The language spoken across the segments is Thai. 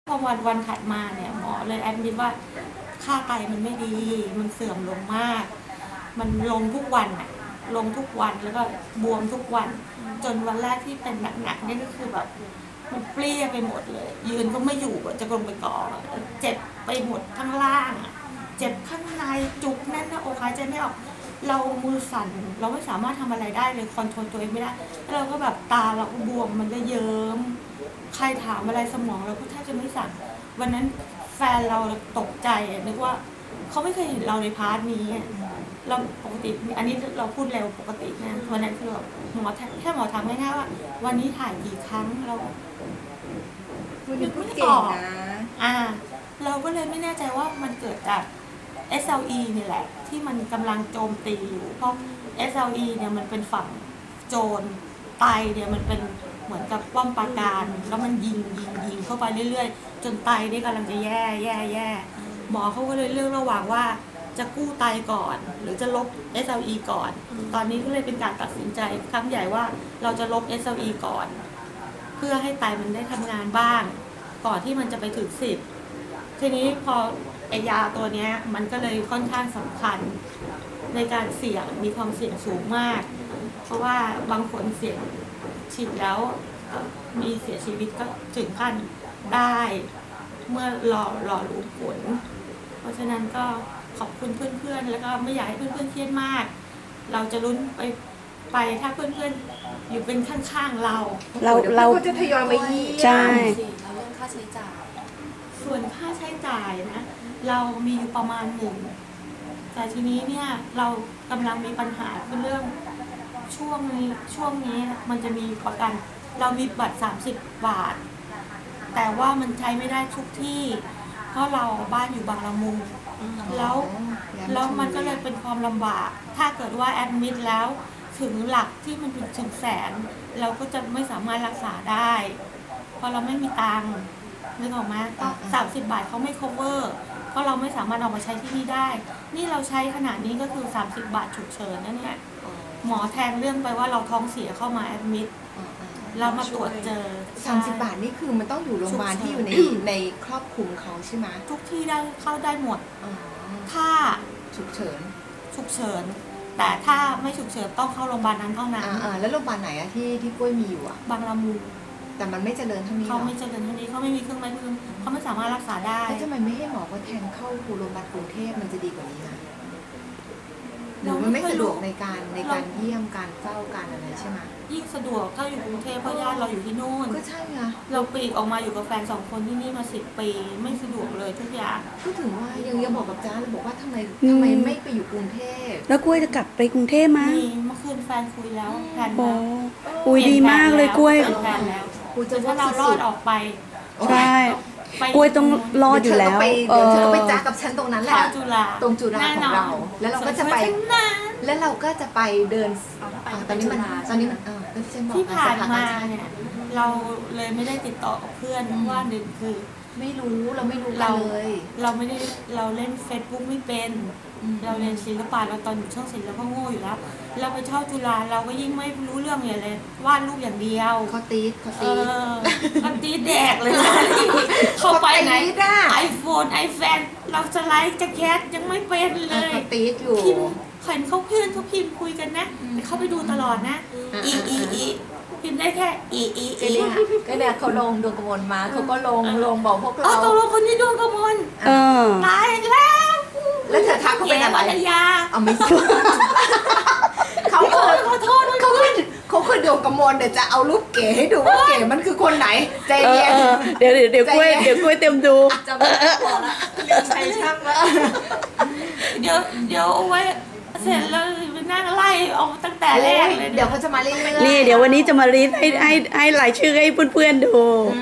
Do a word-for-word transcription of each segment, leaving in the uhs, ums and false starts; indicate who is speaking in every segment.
Speaker 1: พอวันวันถัดมาเนี่ยหมอเลยแอดมิดว่าค่าไตมันไม่ดี มันเสื่อมลงมาก มันลงทุกวันอะลงทุกวันแล้วก็บวมทุกวัน จนวันแรกที่เป็นหนักๆนี่ก็คือแบบมันเปรี้ยไปหมดเลย ยืนก็ไม่อยู่จะลงไปกองเจ็บไปหมดทั้งล่างเจ็บข้างในจุกแน่นหน้าอกหายใจไม่ออกเรามือสั่นเราไม่สามารถทำอะไรได้เลยคอนโทรลตัวเองไม่ได้แล้วเราก็แบบตาเราก็บวมมันก็เยิ้มใครถามอะไรสมองเราก็แทบจะไม่สั่นวันนั้นแฟนเราตกใจนึกว่าเขาไม่เคยเห็นเราในพาร์ทนี้เราปกติอันนี้เราพูดเร็วปกตินะวันนั้นคือแบบหมอแค่หมอถามง่ายๆว่าวันนี้ถ่ายกี่ครั้งเรา
Speaker 2: นึกไม่ออกนะ
Speaker 1: อ่าเราก็เลยไม่แน่ใจว่ามันเกิดจาก เอส แอล อี นี่แหละที่มันกำลังโจมตีอยู่เพราะ เอส แอล อี เนี่ยมันเป็นฝั่งโจรไตเนี่ยมันเป็นเหมือนกับป้อมปราการแล้วมันยิงยิงยิงเข้าไปเรื่อยๆจนไตนี่กำลังจะแย่แย่แย่หมอเขาก็เลยเลือกระหว่างว่าจะกู้ไตก่อนหรือจะลบ เอส แอล อี ก่อนตอนนี้ก็เลยเป็นการตัดสินใจครั้งใหญ่ว่าเราจะลบ เอส แอล อี ก่อนเพื่อให้ไตมันได้ทำงานบ้างก่อนที่มันจะไปถึงสิบทีนี้พอไอยาตัวนี้มันก็เลยค่อนข้างสำคัญในการเสี่ยงมีความเสี่ยงสูงมากเพราะว่าบางคนเสี่ยงฉีดแล้วมีเสียชีวิตก็ถึงขั้นได้เมื่อรอรอรู้ผลเพราะฉะนั้นก็ขอบคุณเพื่อนๆแล้วก็ไม่อยากให้เพื่อนๆเครียดมากเราจะลุ้นไปไปถ้าเพื่อนๆอยู่เป็นข้างๆเรา
Speaker 2: เราเราจะทยอยมายี่
Speaker 3: ใช่
Speaker 4: เราเรื่องค่าใช้จ่าย
Speaker 1: ส่วนค่าใช้จ่ายนะเรามีอยู่ประมาณหนึ่งแต่ทีนี้เนี่ยเรากำลังมีปัญหาคือเรื่องช่วงนี้ช่วงนี้มันจะมีประกันเรามีบัตรสามสิบบาทแต่ว่ามันใช้ไม่ได้ทุกที่เพราะเราบ้านอยู่บางละมุงแล้วแล้วมันก็เลยเป็นความลำบากถ้าเกิดว่าแอดมิดแล้วถึงหลักที่มันถึงแสนเราก็จะไม่สามารถรักษาได้เพราะเราไม่มีตังค์นึกออกไหมก็สามสิบบาทเขาไม่ cover เพราะเราไม่สามารถเอามาใช้ที่นี่ได้นี่เราใช้ขนาดนี้ก็คือสามสิบบาทฉุกเฉินนั่นเนี่ยหมอแทงเรื่องไปว่าเราท้องเสียเข้ามาแอดมิดเรามาตรวจเจอ
Speaker 2: สามสิบบาทนี่คือมันต้องอยู่โรงพยาบาลที่อยู่ในในครอบคลุมเขาใช่ไหม
Speaker 1: ทุกที่ได้เข้าได้หมดถ้า
Speaker 2: ฉุกเฉิน
Speaker 1: ฉุกเฉินแต่ถ้าไม่ฉุกเฉินต้องเข้าโรงพยาบาลนั้นเท่านั้น
Speaker 2: อ่าแล้วโรงพยาบาลไหนอะที่ที่กล้วยมีอยู่อะ
Speaker 1: บางละมุง
Speaker 2: แต่มันไม่เจริญเท่านี้
Speaker 1: เขาไม่เจริญเท่านี้เขาไม่มีเครื่องไม้เครื่องเขาไม่สามารถรักษาได้
Speaker 2: แล้วทำไมไม่ให้หมอเขาแทงเข้าโรงพยาบาลกรุงเทพมันจะดีกว่านี้นะหรือมันไม่สะดวกในการในการเยี่ยมการเฝ้าการอะไรใช่ไหม
Speaker 1: ยิ่งสะดวกถ้าอยู่กรุงเทพเพราะญาติเราอยู่ที่นู่น
Speaker 2: ก็ใช่ไง
Speaker 1: เราปีกออกมาอยู่กับแฟนสองคนที่นี่มาสิบปีไม่สะดวกเลยทุกอย่าง
Speaker 2: ก็ถึงว่ายังยังบอกกับจ้าเลยบอกว่าทำไมทำไมไม่ไปอยู่กรุงเทพ
Speaker 3: แล้วกล้วยจะกลับไปกรุงเทพมั้ย
Speaker 1: มีเมื่อคืนแฟนคุยแล้วแผน
Speaker 3: แล้วอุ้ยดีมากเลยกล้วย
Speaker 1: แผนแล้วคุยจะว่าเรารอดออกไป
Speaker 3: ใช่กล้วยต้องรอดอยู่แล้ว
Speaker 2: เดี๋ยวเธอไปจ้ากับฉันตรงนั้นแหละตรงจุฬาของเราแล้วเราก็จะไปแล้วเราก็จะไปเดินตอนนี้มันตอนนี้มัน
Speaker 1: ที่ผ่านมาเนี่ยเราเลยไม่ได้ติดต่อกับเพื่อนเพราะว่าหนึ่งคือ
Speaker 2: ไม่รู้เราไม่รู้เราเลย
Speaker 1: เราไม่ได้เราเล่นเฟซบุ๊กไม่เป็นเราเรียนศิลปะเราตอนอยู่ช่องศิลป์เราก็โง่อยู่แล้วเราไปเช่าจุฬาเราก็ยิ่งไม่รู้เรื่องเลยเลยวาดรูปอย่างเดียว
Speaker 2: เขาตีดเขา
Speaker 1: ตีดเขาตีดแดกเลยเข้าไปไหนไอโฟนไอแฟนเราสไลด์จะแคสยังไม่เป็นเลย
Speaker 2: เขาตีดอยู่
Speaker 1: พิมพ์เห็นเขาเพื่อนเขาพิมพ์คุยกันนะแต่เขาไปดูตลอดนะอีอีอีพิมพ์ได้แค่อีอีอี
Speaker 2: ก็เนี่ยเขาลงดวงกมลมาเขาก็ลงลงบอกพวกเรา
Speaker 1: อ๋อตกลงคนนี้ดวงกมลตายแล้ว
Speaker 2: แล้วเธอทักเขาเป็นอะไร
Speaker 1: เอา
Speaker 2: ไม่ใช่เขาเคย
Speaker 1: ขอโทษ
Speaker 2: เขาเคยเขาเคยดวงกมลเดี๋ยวจะเอารูปเก๋ให้ดูว่าเก๋มันคือคนไหนใจเย็น
Speaker 3: เดี๋ยวเดี๋ยวกล้วยเดี๋ยวกล้วยเต็มดู
Speaker 2: จำไม่ได้พอละเรียนใช้ช่างละ
Speaker 1: เดี๋ยวเดี๋ยวเอาไว้เสร็จแล้วไปนั่งไล่ออกตั้งแต่แรกเลย
Speaker 2: เดี๋ยวเขาจะมาเล่น
Speaker 3: นี่เดี๋ยววันนี้จะมารีดให้ให้ให้รายชื่อให้เพื่อนๆดู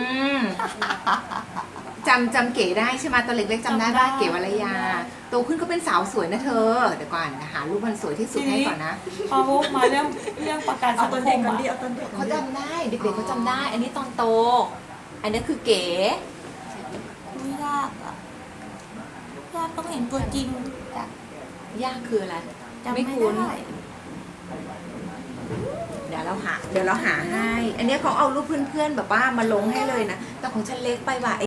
Speaker 2: จำจำเก๋ได้ใช่ไหมตอนเล็กๆจำได้ว่าเก๋วรยาโตขึ้นก็เป็นสาวสวยนะเธอเดี๋ยวก่อนหารูปมันสวยที่สุดให้ก่อนนะ
Speaker 1: พอวุมาเรื่องเรื่องประกันสังคม
Speaker 2: เขาจำได้เด็กๆเขาจำได้อันนี้ตอนโตอันนี้คือเก๋
Speaker 1: ไม่ยากอ่ะยากต้องเห็นตัวจริง
Speaker 2: ยากคืออะไรไม่คุ้นเดี๋ยวเราหาเดี๋ยวเราหาให้อันนี้เขาเอารูปเพื่อนๆแบบว่ามาลงให้เลยนะแต่ของฉันเล็กไปว่ะ